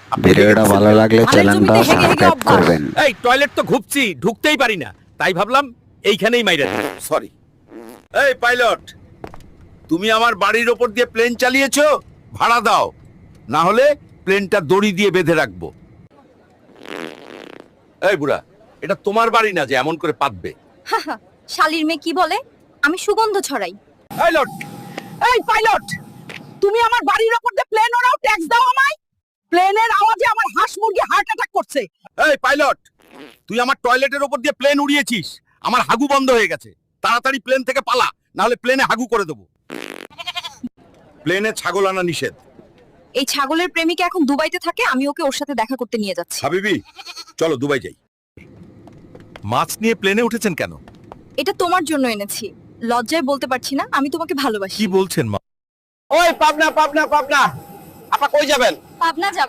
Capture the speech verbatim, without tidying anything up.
ভিডিওটা ভালো লাগলে চ্যানেলটা সাবস্ক্রাইব করবেন। এই টয়লেট তো ঘুপছি, ঢুকতেই পারি না, তাই ভাবলাম এইখানেই মাইরা দিই। সরি। এই পাইলট, তুমি আমার বাড়ির ওপর দিয়ে প্লেন চালিয়েছো, ভাড়া দাও, না হলে প্লেনটা দড়ি দিয়ে বেঁধে রাখবো। এই বুড়া, এটা তোমার বাড়ি না যে এমন করে পাতবে। শালির মেয়ে কি বলে? আমি সুগন্ধ ছড়াই। পাইলট, এই পাইলট, তুমি আমার বাড়ির উপর দিয়ে প্লেন ওড়াও, ট্যাক্স দাও আমায়। প্লেনের আওয়াজে আমার হাঁস মুরগি হার্ট অ্যাটাক করছে। এই পাইলট, তুই আমার টয়লেটের ওপর দিয়ে প্লেন উড়িয়েছিস, আমার হাগু বন্ধ হয়ে গেছে, তাড়াতাড়ি প্লেন থেকে পালা, না হলে প্লেনে হাগু করে দেবো। প্লেনে ছাগল আনা নিষেধ। এই ছাগলের প্রেমিকা এখন দুবাইতে থাকে, আমি ওকে ওর সাথে দেখা করতে নিয়ে যাচ্ছি। হাবিবি, চলো দুবাই যাই। মাছ নিয়ে প্লেনে উঠেছেন কেন? এটা তোমার জন্য এনেছি। লজ্জায় বলতে পারছি না, আমি তোমাকে ভালোবাসি। কি বলছেন মা? ওই পাবনা পাবনা পাবনা, আপা কই যাবেন? পাবনা যাব।